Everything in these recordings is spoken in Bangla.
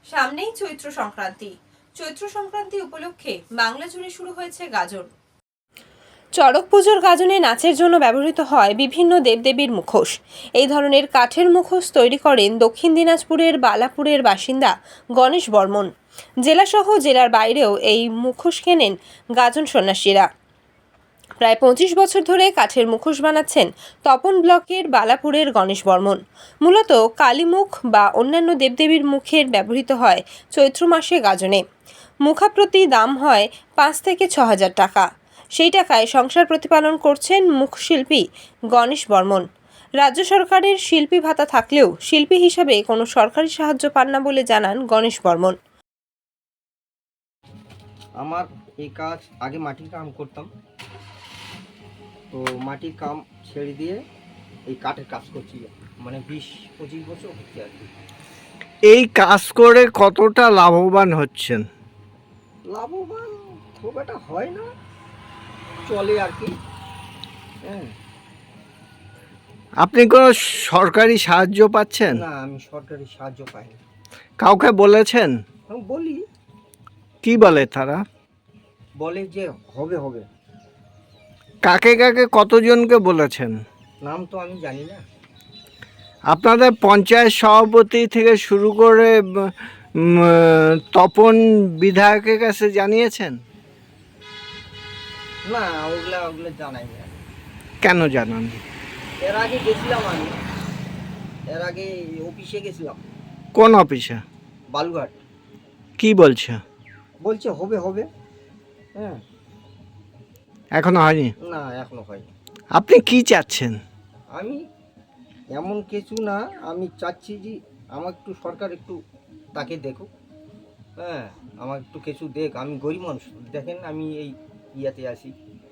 সামনেই চৈত্র সংক্রান্তি। চৈত্র সংক্রান্তি উপলক্ষে বাংলা জুড়ে শুরু হয়েছে গাজন। চড়ক পুজোর গাজনে নাচের জন্য ব্যবহৃত হয় বিভিন্ন দেবদেবীর মুখোশ। এই ধরনের কাঠের মুখোশ তৈরি করেন দক্ষিণ দিনাজপুরের বালাপুরের বাসিন্দা গণেশ বর্মন। জেলাসহ জেলার বাইরেও এই মুখোশ কেনেন গাজন সন্ন্যাসীরা। প্রায় 25 বছর ধরে কাঠের মুখোশ বানাচ্ছেন তপন ব্লকের বালাপুরের গণেশ বর্মন। মূলত কালীমুখ বা অন্যান্য দেবদেবীর মুখের ব্যবহৃত হয় চৈত্র মাসে গাজনে। মুখাপ্রতি দাম হয় 5 থেকে 6,000 টাকা। সেই টাকায় সংসার প্রতিপালন করছেন মুখশিল্পী গণেশ বর্মন। রাজ্য সরকারের শিল্পী ভাতা থাকলেও শিল্পী হিসাবে কোনো সরকারি সাহায্য পান না বলে জানান গণেশ বর্মন। আমার এই কাজ আগে মাটির কাম করতাম, তো মাটির কাম ছেড়ে দিয়ে এই কাঠের কাজ করছি, মানে 20-25 বছর হচ্ছে আর কি। এই কাজ করে কতটা লাভবান হচ্ছেন? লাভবান খুব একটা হয় না, চলে আর কি। হ্যাঁ, আপনি কোনো সরকারি সাহায্য পাচ্ছেন? না, আমি সরকারি সাহায্য পাই না। কাউকে বলেছেন? আমি বলি, কি বলে তারা? বলে যে হবে হবে। কাকে কাকে কতজনকে বলেছেন? নাম তো আমি জানি না। আপনাদের পঞ্চায়েত সভাপতি থেকে শুরু করে তপন বিধায়কের কাছে জানিয়েছেন? না, ওগুলা জানাই না। কেন জানান? এর আগে গেছিলাম আমি, এর আগে অফিসে গেছিলাম। কোন অফিসে? বালুঘাট। কি বলছে? বলছে হবে হবে। হ্যাঁ, এখনো হয়নি? না, এখনো হয়নি। আপনি কি চাচ্ছেন? আমি এমন কিছু না, আমি চাচ্ছি যে আমার একটু সরকার একটু তাকে দেখুক। হ্যাঁ, আমার একটু কিছু দেখ, আমি গরিব মানুষ, দেখেন আমি এই ইয়াতে আছি।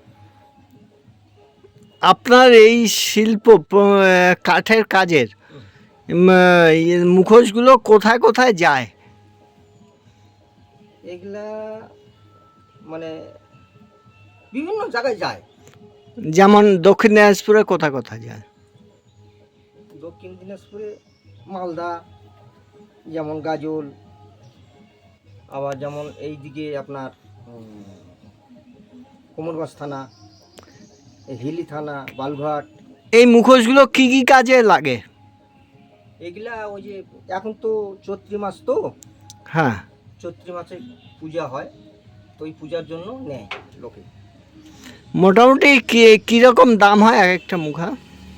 আপনার এই শিল্প কাঠের কাজের মুখোশগুলো কোথায় কোথায় যায়? এগুলা মানে বিভিন্ন জায়গায় যায়। যেমন দক্ষিণ দিনাজপুরে কোথায় কোথায় যায়? দক্ষিণ দিনাজপুরে মালদা, যেমন গাজল, আবার যেমন এইদিকে আপনার কোমরগঞ্জ থানা, হিলি থানা, বালুঘাট। এই মুখোশগুলো কি কি কাজে লাগে? এগুলা ওই যে এখন তো চৈত্রী মাস, তো হ্যাঁ, চৈত্রী মাসে পূজা হয়, তো ওই পূজার জন্য নেয় লোকে। মোটামুটি কীরকম দাম হয় এক একটা মুখা?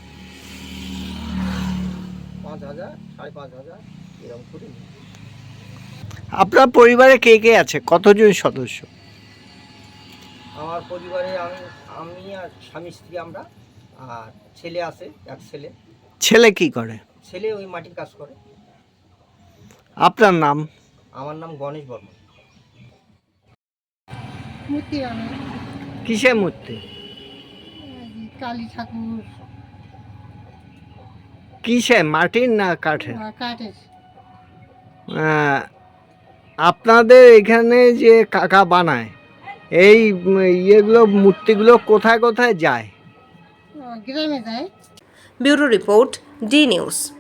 5,000, 5,500 এরকম করে নেয়। আপনার পরিবারে কে কে আছে? কতজন সদস্য? আমার পরিবারে আমি আর স্বামী স্ত্রী, আমরা, আর ছেলে আছে, এক ছেলে। ছেলে কি করে? ছেলে ওই মাটির কাজ করে। আপনার নাম? আমার নাম গণেশ বর্মন। মূর্তি বানাই, কিসের মূর্তি? কালী ঠাকুর, কিসে, মাটির না কাঠের? কাঠের। আপনাদের এখানে যে কাকা বানায় এই ইয়েগুলো, মূর্তিগুলো কোথায় কোথায় যায়? গ্রামে যায়। Bureau report, D news.